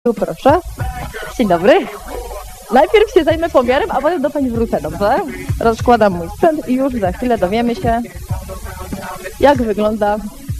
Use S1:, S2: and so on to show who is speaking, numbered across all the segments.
S1: Tu proszę. Dzień dobry. Najpierw się zajmę pomiarem, a potem do pani wrócę, dobrze? Rozkładam mój sprzęt i już za chwilę dowiemy się, jak wygląda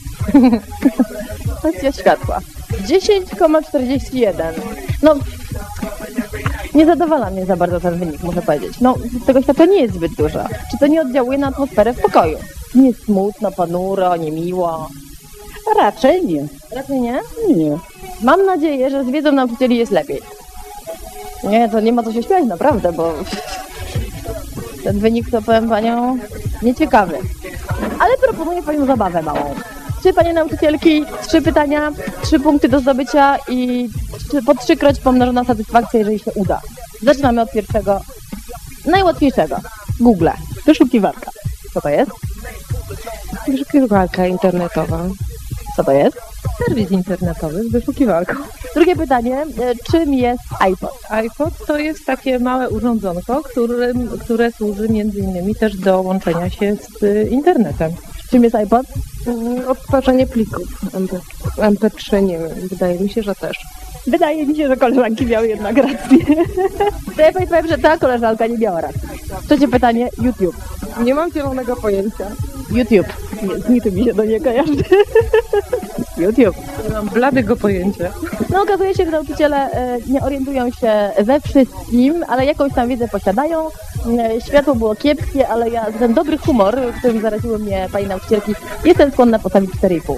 S1: kwestia światła. 10,41. No, nie zadowala mnie za bardzo ten wynik, muszę powiedzieć. No, tego światła nie jest zbyt dużo. Czy to nie oddziałuje na atmosferę w pokoju? Nie smutno, ponuro, niemiło.
S2: Raczej nie.
S1: Raczej nie?
S2: Nie.
S1: Mam nadzieję, że z wiedzą nauczycieli jest lepiej. Nie, to nie ma co się śmiać, naprawdę, bo ten wynik, to powiem panią, nieciekawy. Ale proponuję panią zabawę małą. 3 panie nauczycielki, 3 pytania, 3 punkty do zdobycia i po 3-kroć pomnożona satysfakcja, jeżeli się uda. Zaczynamy od pierwszego, najłatwiejszego. Google. Wyszukiwarka. Co to jest?
S2: Wyszukiwarka internetowa.
S1: Co to jest?
S2: Serwis internetowy z wyszukiwarką.
S1: Drugie pytanie. Czym jest iPod?
S2: iPod to jest takie małe urządzonko, które służy między innymi też do łączenia się z internetem.
S1: Czym jest iPod?
S2: Odtwarzanie plików MP3, nie wiem, wydaje mi się, że też.
S1: Wydaje mi się, że koleżanki miały jednak rację. To ja pani powiem, że ta koleżanka nie miała racji. Trzecie pytanie. YouTube.
S2: Nie mam zielonego pojęcia.
S1: YouTube. Nic mi się do nie kojarzy. YouTube.
S2: Nie mam bladego pojęcia.
S1: No okazuje się, że nauczyciele nie orientują się we wszystkim, ale jakąś tam wiedzę posiadają. Światło było kiepskie, ale ja za ten dobry humor, którym zaraziły mnie pani nauczycielki, jestem skłonna postawić 4,5.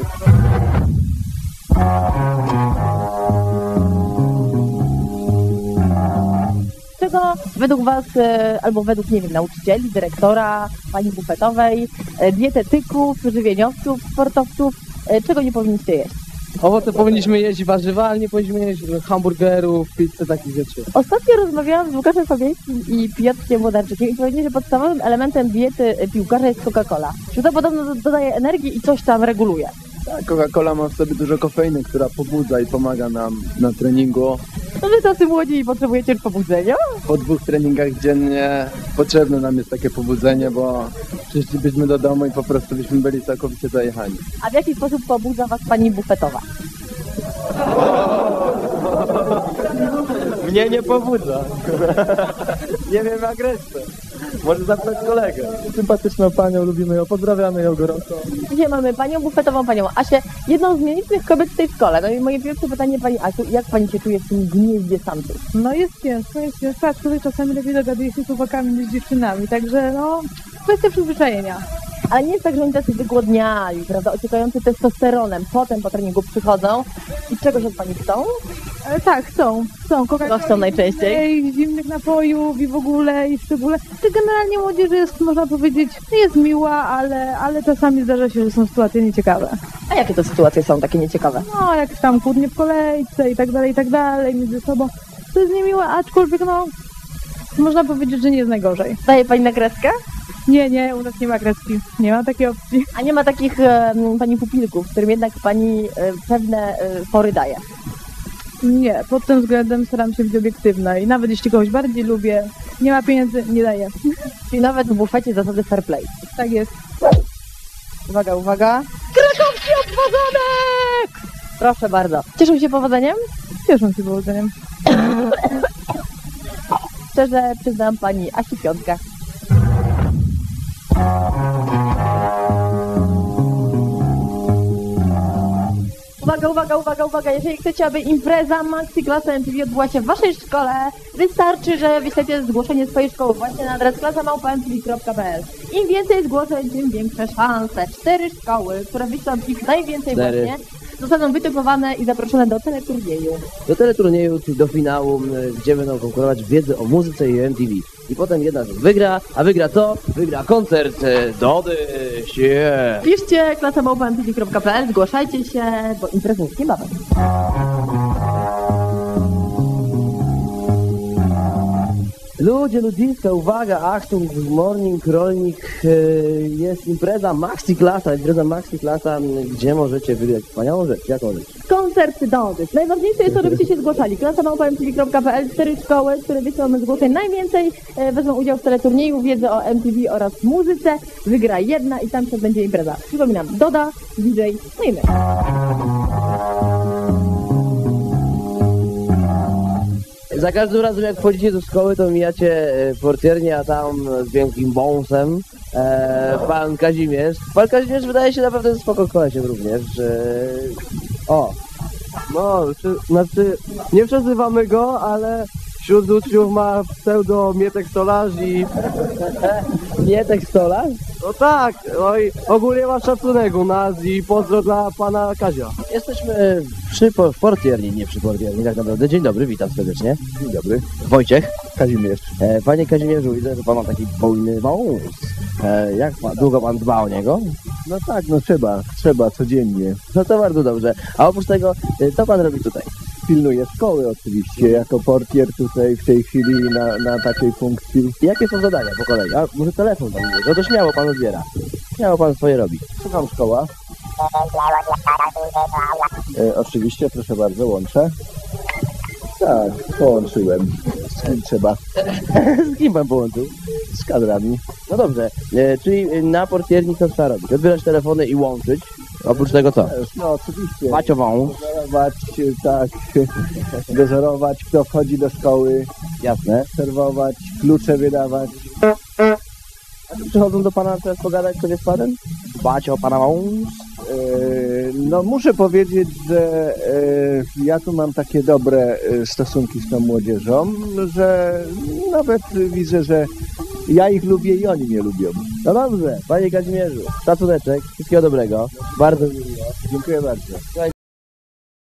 S1: Czego według was, albo według, nie wiem, nauczycieli, dyrektora, pani bufetowej, dietetyków, żywieniowców, sportowców, czego nie powinniście jeść?
S3: Owoce powinniśmy jeść, warzywa, ale nie powinniśmy jeść hamburgerów, pizzy, takich rzeczy.
S1: Ostatnio rozmawiałam z Łukaszem Fabiańskim i Piotrkiem Włodarczykiem i powiedzieli, że podstawowym elementem diety piłkarza jest Coca-Cola. Że to podobno dodaje energii i coś tam reguluje.
S3: Tak, Coca-Cola ma w sobie dużo kofeiny, która pobudza i pomaga nam na treningu.
S1: No wy tacy młodzi i potrzebujecie już pobudzenia?
S3: Po 2 treningach dziennie potrzebne nam jest takie pobudzenie, bo przyszlibyśmy do domu i po prostu byśmy byli całkowicie zajechani.
S1: A w jaki sposób pobudza was pani bufetowa?
S3: Mnie nie pobudza. Nie wiem jak resztę. Może zapytać kolegę. Sympatyczną panią, lubimy ją, pozdrawiamy ją gorąco.
S1: Dzisiaj mamy panią bufetową, panią Asię, jedną z nielicznych kobiet w tej szkole. No i moje pierwsze pytanie pani Asiu, jak pani się czuje w tym gnieździe samców?
S2: No jest ciężko, aczkolwiek czasami lepiej dogaduje się z chłopakami niż z dziewczynami, także no, kwestia przyzwyczajenia.
S1: Ale nie jest tak, że oni tacy wygłodniali, prawda, ociekający testosteronem, potem po treningu przychodzą i czegoś od pani chcą?
S2: Tak, chcą.
S1: Co chcą najczęściej?
S2: Zimnych napojów i w ogóle, i w szczególe. To generalnie młodzież jest, można powiedzieć, jest miła, ale czasami zdarza się, że są sytuacje nieciekawe.
S1: A jakie to sytuacje są takie nieciekawe?
S2: No, jak tam kłótnie w kolejce i tak dalej, między sobą. To jest niemiłe, aczkolwiek no, można powiedzieć, że nie jest najgorzej.
S1: Daje pani na kreskę?
S2: Nie, u nas nie ma kreski. Nie ma takiej opcji.
S1: A nie ma takich pani pupilków, którym jednak pani pewne pory daje?
S2: Nie, pod tym względem staram się być obiektywna i nawet jeśli kogoś bardziej lubię, nie ma pieniędzy, nie daję.
S1: Czyli nawet w bufecie zasady fair play.
S2: Tak jest.
S1: Uwaga, uwaga. Krakowski obwodonek! Proszę bardzo. Cieszą się powodzeniem?
S2: Cieszą się powodzeniem.
S1: Szczerze przyznam pani Asi 5. Uwaga, jeżeli chcecie, aby impreza Maxi Klasa MTV odbyła się w waszej szkole, wystarczy, że wyślecie zgłoszenie swojej szkoły właśnie na adres klasa@mtv.pl. Im więcej zgłoszeń, tym większe szanse. 4 szkoły, które wyślą ich najwięcej
S4: 4.
S1: właśnie, zostaną wytypowane i zaproszone do teleturnieju.
S4: Do teleturnieju, czyli do finału, gdzie będą konkurować w wiedzy o muzyce i MTV. I potem jedna z nich wygra, a wygra co? Wygra koncert Dody. Yeah.
S1: Piszcie klasa@mtv.pl, zgłaszajcie się, bo impreza jest niebawem.
S4: Ludzie, ludziska, uwaga, Achtung, morning, rolnik, jest impreza Maxi Klasa, gdzie możecie wygrać wspaniałą rzecz. Jaką rzecz?
S1: Koncert Dody. Najważniejsze jest to, żebyście się zgłaszali. klasa@mtv.pl, 4 szkoły, które wyślą zgłoszeń najwięcej, wezmą udział w teleturnieju, wiedzę o MTV oraz muzyce. Wygra jedna i tam się będzie impreza. Przypominam, Doda, DJ, no i my.
S4: Za każdym razem jak wchodzicie do szkoły, to mijacie portiernię, a tam z wielkim wąsem pan Kazimierz. Pan Kazimierz wydaje się naprawdę spoko kolesiem również. O,
S3: No, znaczy, nie przezywamy go, ale wśród uczniów ma pseudo Mietek Stolarz i...
S4: Mietek Stolarz?
S3: No tak, no i ogólnie ma szacunek u nas i pozdro dla pana Kazia.
S4: Jesteśmy w portierni, nie przy portierni tak naprawdę. Dzień dobry, witam serdecznie.
S3: Dzień dobry.
S4: Wojciech.
S3: Kazimierz.
S4: Panie Kazimierzu, widzę, że pan ma taki bujny wąs. Długo pan dba o niego?
S3: No tak, no trzeba codziennie.
S4: No to bardzo dobrze. A oprócz tego, co pan robi tutaj?
S3: Pilnuję szkoły oczywiście, jako portier tutaj w tej chwili na takiej funkcji.
S4: Jakie są zadania po kolei? A może telefon pan bierze? No to śmiało pan odbiera. Śmiało pan swoje robi.
S3: Słucham, szkoła. Oczywiście, proszę bardzo, łączę. Tak, połączyłem. Z kim trzeba?
S4: Z kim pan połączył?
S3: Z kadrami.
S4: No dobrze, czyli na portierni co trzeba robić? Odbierać telefony i łączyć. Oprócz tego co?
S3: No oczywiście.
S4: Macio wąs.
S3: Dozorować, tak, dozorować, kto wchodzi do szkoły,
S4: Jasne.
S3: serwować, klucze wydawać.
S4: A czy przychodzą do pana teraz pogadać sobie z panem? Dbać o pana wąs?
S3: No muszę powiedzieć, że ja tu mam takie dobre stosunki z tą młodzieżą, że nawet widzę, że ja ich lubię i oni mnie lubią.
S4: No dobrze, panie Kazimierzu, szacuneczek, wszystkiego dobrego. Bardzo mi miło.
S3: Dziękuję bardzo.
S4: Słuchajcie,